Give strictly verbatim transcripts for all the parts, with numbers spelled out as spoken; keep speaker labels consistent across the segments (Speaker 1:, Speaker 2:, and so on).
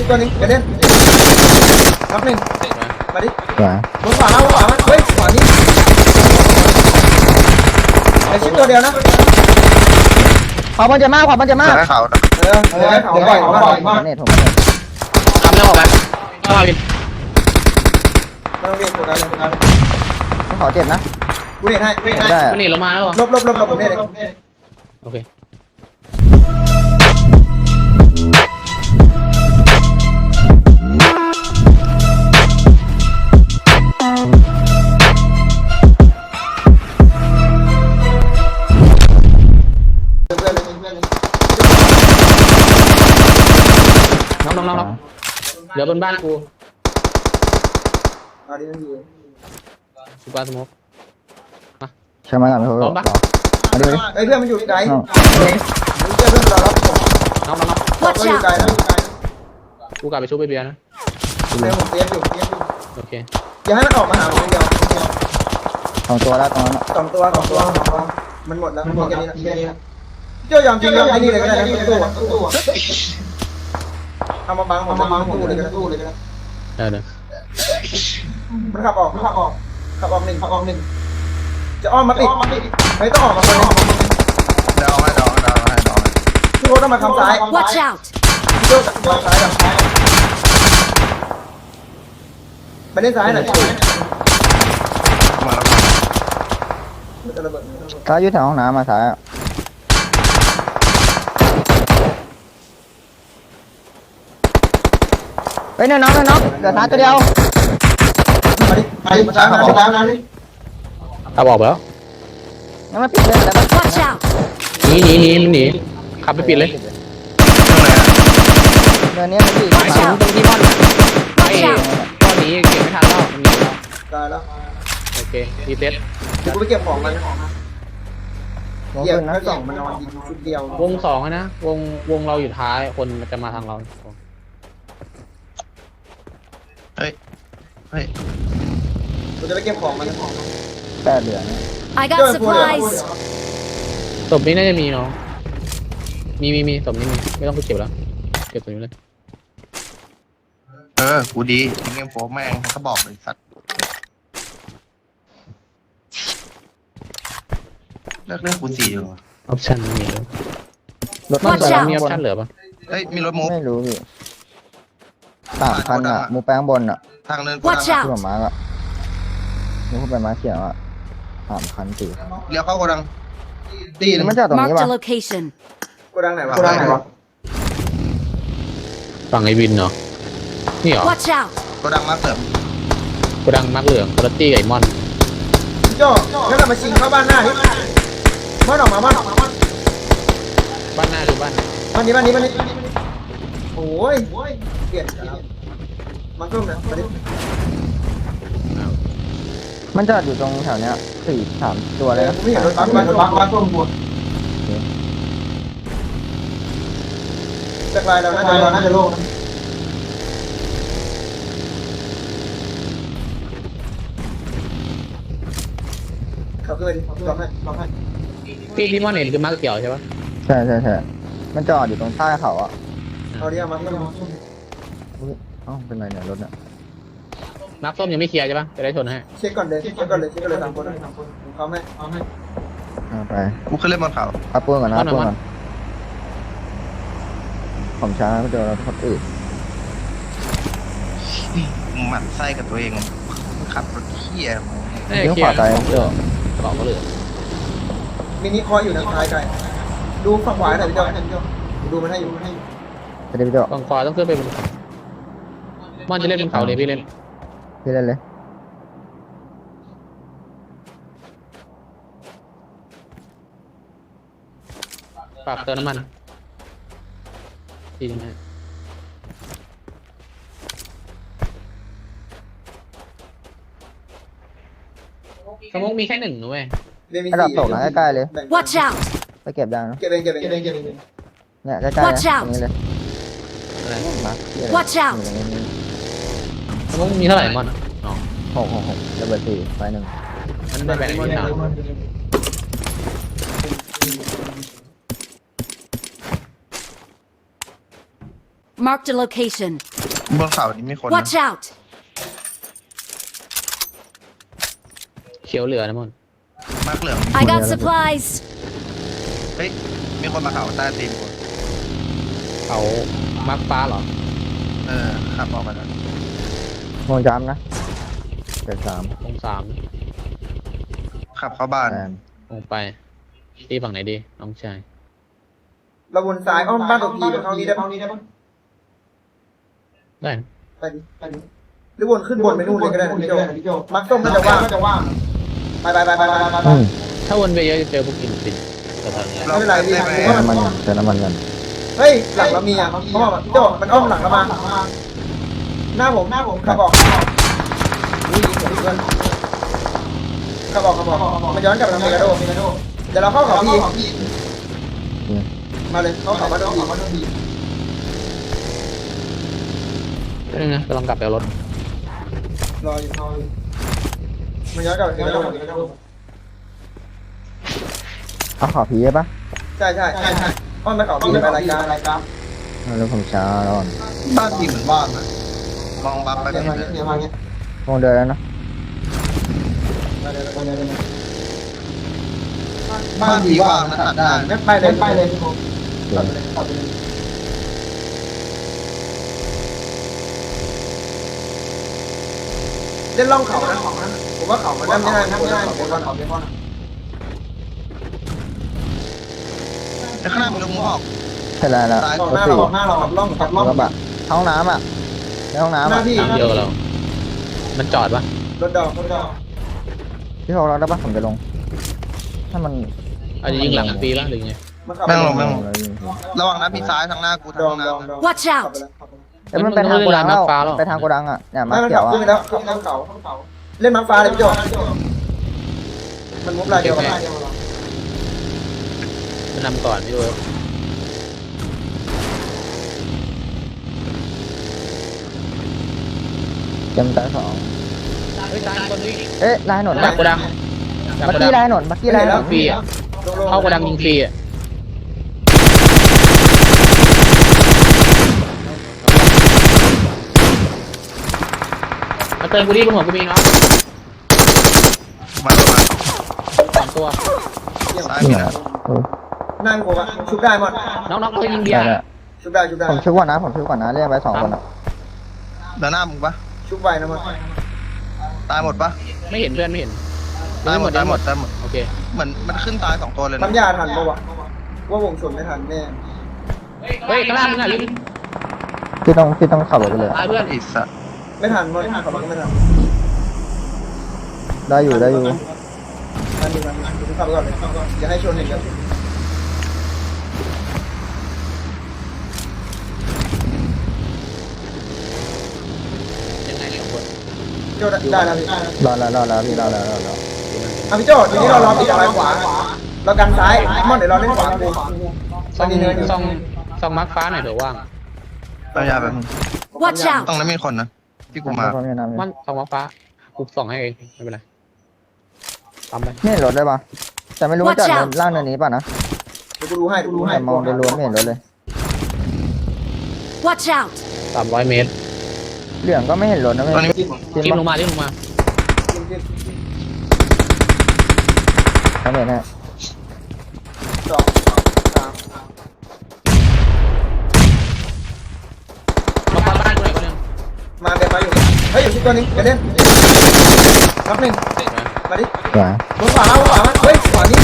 Speaker 1: ตัวนึงเดี๋ยวเล่นรับหนึ่งมาดิบนขวาบนขวาเฮ้ยขวานี่ไอชิปตัวเดียวนะ
Speaker 2: ขวาบอลจะมากขวาบอลจะมาก
Speaker 3: เขา
Speaker 1: เออเออเขาบ่อยเขาบ่อยมาก
Speaker 2: เนี่ยผม
Speaker 4: ทำแล้วออกไปต้องมาวิน
Speaker 1: ไม่ต้องเรียกตัวนั้นเลย
Speaker 2: ขอเจ็บนะ
Speaker 1: กูเรียกให้ไม่
Speaker 2: ได้
Speaker 4: ได้มันหนีลงมาแล้ว
Speaker 1: ลบลบลบลบผมเรียกเลย
Speaker 4: โอเคน้องน้องน้องเดี๋ยวบนบ้านกู
Speaker 1: เอาดิมันอยู่
Speaker 4: สุกาสมุกมา
Speaker 2: ใช่ไหมกันพร้อมปะ
Speaker 1: ไอ้เพื่อนมันอยู่ไกลเพื่อนเพื่อนเรารับผม
Speaker 4: น้องน้องน้อง
Speaker 1: ก็อยู่ไกลนะ
Speaker 4: กูกลับไปชุบไปเบียร์นะ
Speaker 1: เดี๋ยวผมเตี้ยอยู่เตี้ยอยู่
Speaker 4: โอเค
Speaker 1: อย่าให้มันออกมาหาผมเดียว
Speaker 2: สองตัวแล้วตรงนั้น
Speaker 1: สองตัวสองตัวมันหมดแล้วมันหมดแค่นี้แค่นี้เจ้ายอมจริงยอมไอ้นี่เลยก็ได้นะตู้ตู้ทำมาบังผมมาบังตู้เลยก็ได้ตู้เลยก็ได้
Speaker 4: ได้เลย
Speaker 1: มันขับออกมันขับออกขับออกหนึ่งขับออกหนึ่งจะอ้อมมาติดไม่ต้องออกมาคนนึง
Speaker 3: เดาให้เดาให้เดาให้เดา
Speaker 1: พี่โอ๊ตต้องมาทำซ้าย
Speaker 5: Watch out
Speaker 1: พี่โอ๊ตมาซ้ายกับซ้ายไปเล่นซ้ายหน่อย
Speaker 2: ซ้ายยืดแถวห้องน้ำมาซ้ายเฮ้ยน้องน้องเดี๋ยวซ้ายตัวเดียว
Speaker 1: มาดิมาดิมาซ้ายมาซ้ายมาดิ
Speaker 4: ขับออกไปแล้ว
Speaker 2: งั้นมาปิดเลยแล้วมา
Speaker 5: Watch out
Speaker 4: หนีหนีหนีมันหนีขับไปปิดเลย
Speaker 2: เดินนี้มันปิด
Speaker 4: หมายถึงตรงที่ม่อนไอ้ตอนนี้เก็บไม่ทันแล้วมันหนีแล้ว
Speaker 1: ได้แล้ว
Speaker 4: โอเครีเซ็ต
Speaker 1: เดี๋ยวกูไปเก็บของมันเก็บนะสองมันนอนชุดเดียว
Speaker 4: วงสองนะวงวงเราอยู่ท้ายคนจะมาทางเรา
Speaker 3: เฮ้ยเฮ้ย
Speaker 1: กูจะไปเก็บของมัน
Speaker 2: แปดเหลือง
Speaker 5: I got supplies
Speaker 4: ศพนี้น่าจะมีเนาะมีมีมีศพนี้มีไม่ต้องไปเก็บแล้วเก็บตัวนี้เลย
Speaker 3: เออกูดีเงี้ยโฟแม่งเขาบอกเลยสัตว์เลิกเรื่องกูสี่อยู่
Speaker 4: ออปชั่นมีแล้วรถมันมีออปชั่นเหลือปะ
Speaker 3: เฮ้ยมีรถมูฟ
Speaker 2: ไม่รู้พี่สามคันอ่ะมูแป้งบนอ่ะ
Speaker 3: ทางเดินกู
Speaker 2: ที่ผมมาร์กอ่ะนี่พูดไปมาเขียนอ่ะสามคันสี่
Speaker 3: เลี้ยวเข้าโกดังตีน
Speaker 2: มันจะตรงนี้ป่ะ
Speaker 1: โกดังไหนวะโกดังไหนวะ
Speaker 4: ฝั่งไอวินเนาะนี่เหรอ
Speaker 3: โกดังมาเสริม
Speaker 4: โกดังมักเหลืองคอร์ตี้ไก่มอน
Speaker 1: โจ้งั้นเรามาชิงเข้าบ้านหน้าดิบ้านออกมาบ้านออกมาบ้าน
Speaker 4: บ้านหน้าหรือบ้าน
Speaker 1: บ้านนี้บ้านนี้บ้านนี้โอ้ยเปลี่ยนมันก็เหมือนมาดิ
Speaker 2: มันจะอยู่ตรงแถวเนี้ยสี่สามตัวเลย
Speaker 1: ไม่เห็นรถบัสบัสบัสบัสตัวหมดจากลายเราน่าจะเราน่าจะโล่งเขาเกิดดิลองให้ลองให้
Speaker 4: พี่ที่มอนเห็นคือมาร์กเกี่ยวใช่ปะ
Speaker 2: ใช่ใช่ใช่มันจอดอยู่ตรงใต้เขาอ่ะ
Speaker 1: เอาดิเอามาเอามา
Speaker 2: อ๋อเป็นไรเนี่ยรถเนี่ย
Speaker 4: มาร์กส้มยังไม่เคลียร์ใช่ปะจะได้ชนให้
Speaker 1: เช็คก่อนเลยเช็คก่อนเลยเช็คก่อนเลยสามคนสามคนเขาไม่เอาให้
Speaker 2: เอาไป
Speaker 3: กูขึ้นเล่นบนเขา
Speaker 2: เอาปืนก่อนนะปืนก่อนผมช้าก็เจอรถอื่น
Speaker 3: หมั่นไส้กับตัวเองขับรถเที่ย
Speaker 4: เลี้ยวขวาไปเดี๋ยวกระเป๋าก็เหลือ
Speaker 1: มินิคอยอยู่ทางซ้ายไกลดูฝั่งขวาหน่อยพี่เจ้าดูมันให้อยู่มันให้อยู่
Speaker 2: จะได้พี่เจ้า
Speaker 4: ฝั่งขวาต้องขึ้นไปบนเขามอนจะเล่นบนเขาเลยพี่เล่น
Speaker 2: พี่เล่นเลย
Speaker 4: ฝากเติมน้ำมันทีนึงฮะสมมติมีแค่หนึ่งนะเว้ย
Speaker 2: ระดับตกนะใกล้ๆเลย
Speaker 5: Watch out
Speaker 2: ไปเก็บยังนะ
Speaker 1: เก็บเองเก็บเองเก็บเองเก็บเอง
Speaker 2: เนี่ยใกล้ๆตรงนี้เลย
Speaker 5: Watch out
Speaker 4: สมมติมีเท่าไหร่มอนอ๋อ
Speaker 2: หกหกหกระเบิดสี่ไฟหนึ่ง
Speaker 4: มันไม่แบ่งที่สาม
Speaker 5: Marked a location.
Speaker 3: บนเขานี้มีคนนะ
Speaker 5: Watch out!
Speaker 4: เขียวเหลือนะมอน
Speaker 3: มากเหลือง
Speaker 5: I got supplies.
Speaker 3: เฮ้ยมีคนมาเขาใต้ตีนกู
Speaker 4: เขามาร์คฟ้าเหรอ
Speaker 3: เออขับออกมาแล้ว
Speaker 2: มองจามนะเจ็ดสาม
Speaker 4: ตรงสาม
Speaker 3: ขับเข้าบ้าน
Speaker 2: แอน
Speaker 4: ลงไปตีฝั่งไหนดีน้องชาย
Speaker 1: เราวนซ้ายอ้อมบ้านตัวพีไปเข้านี้ได้ปะ
Speaker 4: ได้นะ
Speaker 1: ไปดิไปดิหรือวนขึ้นบนไปนู่นเลยก็ได้พี่โจมักส้มก็จะว่างจะว่างไปไปไปไปไปไป
Speaker 2: อืม
Speaker 4: ถ้าวนไปเยอะจะเจอพวกอินฟินกระทางนี้
Speaker 1: ไม่เป็นไรพี่
Speaker 2: เติมน้ำมันกันเติมน้ำมันกัน
Speaker 1: เฮ้ยหลังเรามีอ่ะเพราะว่าพี่โจมันอ้อมหลังเรามาหน้าผมหน้าผมขับออกนี่เพื่อนขับออกขับออกมันย้อนกลับไปทางเมกาโดเดี๋ยวเราเข้าเขาพี่
Speaker 2: อืม
Speaker 1: มาเลยเข้าเขาบ้านตัวพี
Speaker 4: ก็นึงนะกำลังกลับไปเอารถ
Speaker 1: รออยู่รออยู่มันย้อนกลับไปเมกาโด
Speaker 2: เอาขอผีได้ปะ
Speaker 1: ใช่ใช่ใช่ใช่อ้อมไปเขาพี่ไปรายการรายการ
Speaker 2: เอาเรื่องผมช้าแล้วก่อน
Speaker 3: บ้านทีเหมือนบ้านนะมองบัฟไป
Speaker 1: เดี๋ยว
Speaker 3: ไม่
Speaker 1: มา
Speaker 3: เห็น
Speaker 1: เดี๋ยวมาเนี้ย
Speaker 2: มองเดินแล้วนะ
Speaker 1: มาเดี๋ยวมาเดี๋ยวมาเดี๋ยว
Speaker 3: บ้านทีว่างนะตัดได้
Speaker 1: งั้นไปเลยไปเลย
Speaker 2: เดิน
Speaker 1: เล่นล่องเขานะของนั้นผมว่าเขามันนั่งไม่ได้นั่งไม่ได้เขาเป็นวันเขาเป็นวัน
Speaker 3: แล้วข้างหน้ามันลงมุกออก
Speaker 2: ใช่แล้วแล้ว
Speaker 3: ซ้าย
Speaker 1: ออก
Speaker 2: ร
Speaker 1: ห
Speaker 2: ถ
Speaker 1: น้า
Speaker 2: สี่
Speaker 1: เราออกหน้าเราขับล่องขับล่อง
Speaker 2: รถกระบะห้องน้ำอ่ะในห้องน้ำ
Speaker 1: ห
Speaker 2: อ่ะ
Speaker 1: น้าที่
Speaker 4: ทางเดียวกับเรา มันจอดปะ
Speaker 1: รถดอกรถดอก
Speaker 2: พี่เขาเราได้ปะผมจะลง ถ้ามัน
Speaker 4: อาจจะยิงหลังฟรีปะหรือไง
Speaker 1: มันขับ
Speaker 3: แม่งลงแม่งลง
Speaker 2: แล้วยิง
Speaker 3: ระวังนะมีซ้ายทางหน้ากูทาง
Speaker 1: ดอง
Speaker 3: ห้อง
Speaker 1: ดอง
Speaker 3: น้ำ
Speaker 1: ดอง
Speaker 5: Watch out
Speaker 2: เอ้ยมันไปทางโกดังแล้วไปทางโกดังอ่ะเนี่ยมา
Speaker 1: ไม่มัน
Speaker 2: เขี
Speaker 1: ขั
Speaker 2: ย
Speaker 1: บ
Speaker 2: ว
Speaker 1: ขึ้น
Speaker 2: อ่ะ
Speaker 1: ไปแล้วขับล่องเขาเล่นม้าฟ้าเลยพี่โจมันมุกลายเดียวกัน
Speaker 4: มันนำก่อนพี่ดู
Speaker 2: เต็มตาสอง
Speaker 4: เฮ้ยตายคนนี้
Speaker 2: เอ๊ะลายหนน
Speaker 4: ดักกระดังดัก
Speaker 2: บัก
Speaker 4: กระดั
Speaker 2: กี้
Speaker 4: ง
Speaker 2: ลายหนนบักกี้ลายหนน
Speaker 4: ฟรีอ่ะเข้ากระดังยิงฟรีอ่ะมาเติมกูดิบนหัวกูมีเนาะ
Speaker 3: มาลงมา
Speaker 4: สองตัว
Speaker 3: ซ้าย
Speaker 2: นี่
Speaker 3: มี
Speaker 2: เหร
Speaker 3: นะ
Speaker 2: อเออ
Speaker 1: นั่งกูอะชุบได้หมด
Speaker 4: น้องๆเขายิงเบีย
Speaker 2: ได้
Speaker 4: ร์
Speaker 2: ได้
Speaker 1: ชุบได้ชุบได้
Speaker 2: ผมช่วยก่อนนะผมช่วยก่อนนะเรียกไปสองคนอ่ะ
Speaker 3: เดินหน้ามึงปะ
Speaker 1: ชุบไวนะมัน
Speaker 3: ตายหมดปะ
Speaker 4: ไม่เห็นเพื่อนไม่เห็น
Speaker 3: ตายหมดตายหมดตายหมด
Speaker 4: โอเค
Speaker 3: เหมือนมันขึ้นตายสองตัวเลยนะ
Speaker 1: น้ำยาทันปะวะว่าวงชนไม่ทันแน่
Speaker 4: เฮ้ยข้างล่างมึงอ่ะลิง
Speaker 2: พี่ต้องพี่ต้องขับรถไปเลย
Speaker 4: ตายเพื่อน
Speaker 3: ไอ้สัส
Speaker 1: ไม่ทันมันขับรถไม่ทัน
Speaker 2: ได้อยู่ได้อยู่
Speaker 1: ทันดีมันขับไปก่อนเลยอย่าให้ชนเห็นกัน
Speaker 4: ยังไงสองคน
Speaker 1: โจได้แล้วพี่
Speaker 2: รอแล้วรอแล้วพี่รอแล้วรอแล้ว
Speaker 1: อ่ะพี่โจทีนี้เรารอปิดอะไรขวาเรากันซ้ายมอนเดี๋ยวเราเล่นขวากู
Speaker 4: ซองซองซองมาร์คฟ้าหน่อยเถอะว่าง
Speaker 3: เอายาแบบนึง
Speaker 5: Watch out!
Speaker 3: ตรงนั้นมีคนนะที่กูมา
Speaker 2: พร้อมยังน้ำ
Speaker 4: มันซองมาร์คฟ้ากูส่องให้เองไม่เป็นไรทำไป
Speaker 2: ไม่เห็นรถเลยปะแต่ไม่รู้ว่าจอดล่างเนินนี้ป่ะนะ
Speaker 1: เดี๋ยวกูดูให้กูดูให้
Speaker 2: แต่มองโดยรวมไม่เห็นรถเลย
Speaker 5: Watch out!
Speaker 4: สามร้อยเมตร
Speaker 2: เหลืองก็ไม่เห็นรถนะไม่
Speaker 3: ตอนนี้
Speaker 2: จริง
Speaker 4: จิ้มล
Speaker 2: ปะ
Speaker 4: งมาจิ้มลงมา
Speaker 2: เขาเห็นฮะ
Speaker 1: สองสาม
Speaker 4: มาฟ้าบ้านกูหน่อยคนหนึง
Speaker 1: มาเดี๋ยวมาอยู่เฮ้ยอยู่ที่ตัวนี้เดี๋ยวเล่นนับหนึ่งมาดิ
Speaker 2: ขวา
Speaker 1: บนขวาบนขวาเฮ้ยขวานี้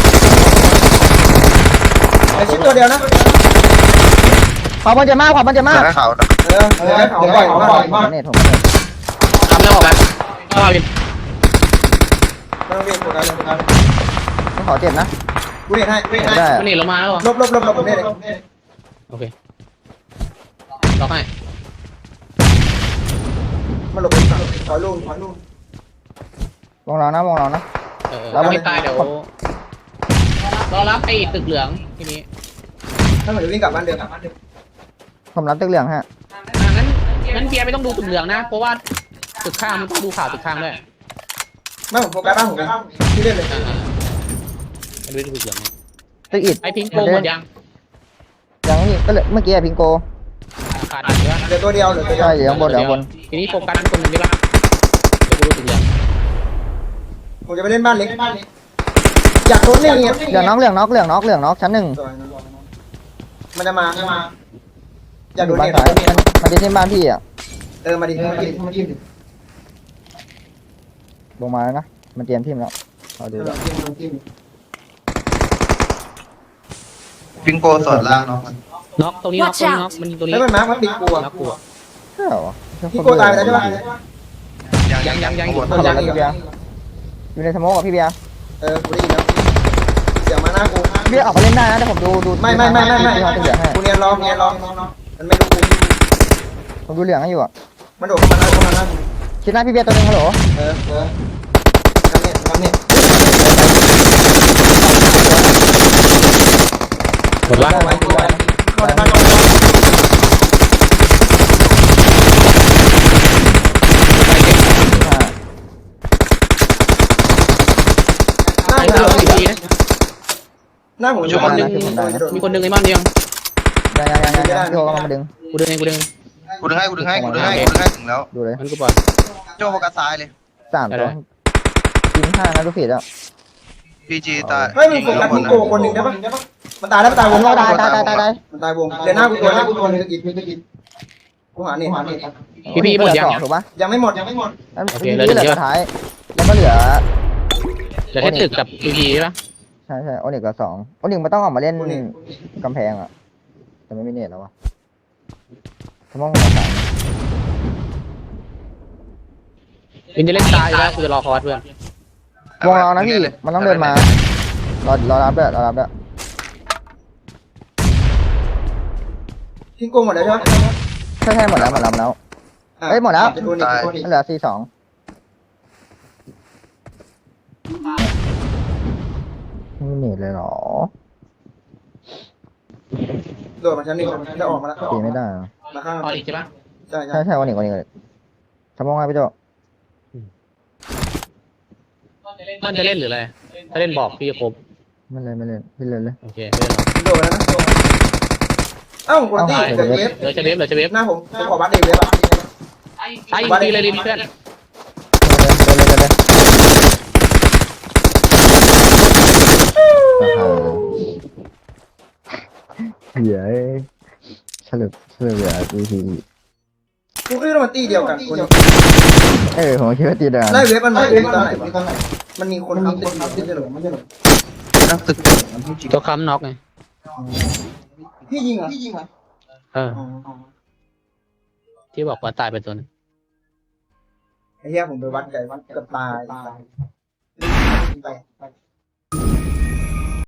Speaker 1: ไอชิปตัวเดียวนะ
Speaker 2: ขวาบนจะมากขวาบนจะมาก
Speaker 3: เสือเขา
Speaker 1: เออเดี๋ยวเขาบ่อยมาก
Speaker 2: ผมเน็ตผมเน็ต
Speaker 4: ทำแล้วบอกไปเข้ามาวิน
Speaker 1: ไม่ต้องเรียกโฟกัสเลยโฟกัส
Speaker 2: ต้องขอเจ็บนะ
Speaker 1: กูเห็นให้กูเห็น
Speaker 2: ไม่
Speaker 1: ให้
Speaker 2: ได้
Speaker 4: มันหนีลงมาแล้วเหรอ
Speaker 1: ลบลบลบลบผมเนี่ยเลย
Speaker 4: โอเคล็อกให้
Speaker 1: มันหลบไปฝั่งถอยลูกถอยลูก
Speaker 2: วงเรานะวงเรานะ
Speaker 4: เออ
Speaker 2: แล้ว
Speaker 4: ถ้าไม่ตายเดี๋ยวรอรับไอ้ตึกเหลืองทีนี้
Speaker 1: ถ้าเหมือนวิ่งกลับบ้านเดิมกลับบ้านเดิม
Speaker 2: ผมรับตึกเหลืองฮะ
Speaker 4: อ่ะงั้นงั้นเพียร์ไม่ต้องดูตึกเหลืองนะ เพราะว่าตึกข้างมันต้องดูข่าวตึกข้างด้วย
Speaker 1: ไม่ผมโฟกัสบ้านผมเลยที่เล่นเลย
Speaker 4: อ่าๆไม่ดูตึกเหลืองไง
Speaker 2: ตึกอิด
Speaker 4: ไอ้พิงโกหมดยัง
Speaker 2: ยังนี่ก็เลยเมื่อกี้อะพิงโก
Speaker 4: ขาดอีกแล้ว
Speaker 1: เหลือตัวเดียวเหลือตัวเดียว
Speaker 2: ใช่อยู่ข้างบนเดี๋ยวข้างบน
Speaker 4: ทีนี้โฟกัสเป็นคนหนึ่งได้ปะเดี๋ยวกูรู้สึกยัง
Speaker 1: ผมจะไปเล่นบ้านเล็กอยากโดนเล่นเนี่ย
Speaker 2: เหลืองน็อกเหลืองน็อกเหลืองน็อกเหลืองน็อกชั้นหนึ่ง
Speaker 1: มันจะมาอยาก
Speaker 2: อ
Speaker 1: โด
Speaker 2: ยู่
Speaker 1: น
Speaker 2: บ้าน
Speaker 1: เล่น
Speaker 2: ซ้ายมันมันจะที่บ้านพี่อ่ะ
Speaker 1: เออมาดิมาดิมาดิ
Speaker 2: ลงมาแล้วนะมันเตรียมทีมแล้วเอาดูแล้ว
Speaker 3: ปิงโกสดล่างเนาะ
Speaker 4: น็อกตรงนี้น็อกตรงนี้น็อกมันยิงตรงนี้
Speaker 1: แล้วมันมาร์คมันปิดกลัว
Speaker 4: น็อกกูอะ
Speaker 2: ใช่เหรอ
Speaker 1: พี่โกตายไปแล้วใช่ปะ
Speaker 3: ยังยังยัง
Speaker 2: เข้ามาแล้วพี่เบียร์อยู่ในสโมกกับพี่เบียร์
Speaker 1: เออกูได้ยินแล้วเสียงมาหน้ากู
Speaker 2: พี่เบียร์ออกมาเล่นได้นะแต่ผมดูดู
Speaker 1: ไม่ไม่ไม่ไม่ไม่
Speaker 2: ที่เขาจะเหลืองให้
Speaker 1: กูเนียนรอเนียนรอมันไม่รู้กู
Speaker 2: ผมดูเหลืองให้อยู่อ่ะ
Speaker 1: มันโดดเข้ามาหน้าเข้ามาหน้ากู
Speaker 2: คิดหน้าพี่เบียร์ตัวหนึงฮัลโหล
Speaker 1: เออเออทำเนี่ยทำเนี่ย
Speaker 4: หมดละ
Speaker 1: เข้าไปเข้าในบ้านเข้าในบ้านหน้า
Speaker 4: ไอ้
Speaker 1: ผม
Speaker 4: เรื่องดีๆนะ
Speaker 1: หน้าผม
Speaker 2: อยู่คนหนึ่ง
Speaker 4: มีคนหนึ่งไอ้มันยัง
Speaker 2: ยังยังยังยังพี่โจก็มาดึง
Speaker 4: กูดึงเองกูดึงเอง
Speaker 3: กูดึงให้กูดึงให้กูดึงให้กูดึงให้ถึงแล้ว
Speaker 2: ดูเลย
Speaker 4: มันกูปล่อย
Speaker 3: โจ้โฟกัสซ้ายเลย
Speaker 2: สามตัวกินห้านะดูผิดอ่ะ
Speaker 3: พีจีตาย
Speaker 1: เฮ้ยมึงโฟกัสพี่โกคนหนึ่งได้ปะมันตายแล้วมันตายวง
Speaker 2: ตายตายตายตายตายตาย
Speaker 1: มันตายวงเดี๋ยวหน้ากูตัวหน้ากูตัวนึงกินกินกูหาเนี่ยหาเนี่ย
Speaker 4: พี่พี่หมดยัง
Speaker 2: ถูกปะ
Speaker 1: ยังไม่หมดยังไม่หมด
Speaker 2: แล้วเหลือสุดท้ายแล้วก็เหลือ
Speaker 4: เหลือแค่ตึกกับพีพีใช่ปะ
Speaker 2: ใช่ใช่โอนิกกับสองโอนิกมันต้องออกมาเล่นกำแพงอ่ะแต่ไม่มีเน็ตแล้ววะสมองหัวสาม
Speaker 4: วินจะเล่นตายอยู่แล้วกูจะรอคอร์สเพื่อน
Speaker 2: วงเรานะพี่มันต้องเดินมารอรอรับด้วยรอรับด้วย
Speaker 1: พี่โกหมดแล้วใช่ไหม
Speaker 2: ใช่ใช่หมดแล้วหมดแล้วหมดแล้วมันเหลือสี่สองไม่มีเน็ตเลยหรอ
Speaker 1: โดดมาชั้นหนึ่งจะออกมาแล้ว
Speaker 2: ตีไม่ได้
Speaker 1: มาข้าง
Speaker 4: อออีกใช่ปะ
Speaker 1: ใช่ใช่
Speaker 2: ใช่ใช่โอนิกโอนิกสมองไงพี่โจ
Speaker 4: มันจะเล่นหรืออะไรถ้าเล่นบอกพี่จะครบ
Speaker 2: ไม่เล่นไม่เล่นพี่เล่นเลย
Speaker 4: โอเคไม่เล่นหรอก
Speaker 1: โดดแล้วนะเอ้าคนที่เกิดเวฟ
Speaker 4: เหลือจะเวฟเหลือจะเวฟ
Speaker 1: หน้าผมผมขอบัตรเดวิฟอ่ะ
Speaker 4: ไอ้ดีเลยดิเพื่อน
Speaker 2: เล่นเล่นเล่นเล่นเหี้ยฉลุฉลุเหลือวีที
Speaker 1: กูคิดว่ามันตีเดียวกันคน
Speaker 2: เออผมคิดว่าตีเดิม
Speaker 1: ไล่เวฟมันมาตอนไหนวะมันมีคนอัพติดอัพติดจะหรอไม่ใช่หรอ
Speaker 3: นั่งตึก
Speaker 4: ตัวค้ำน็อกไง
Speaker 1: พี่ยิงเหรอพี่ยิงเหรอ
Speaker 4: เออที่บอกว่าตายไปตัวนึง
Speaker 1: ไอ้เหี้ยผมไปวัดไก่วัดเกือบตาย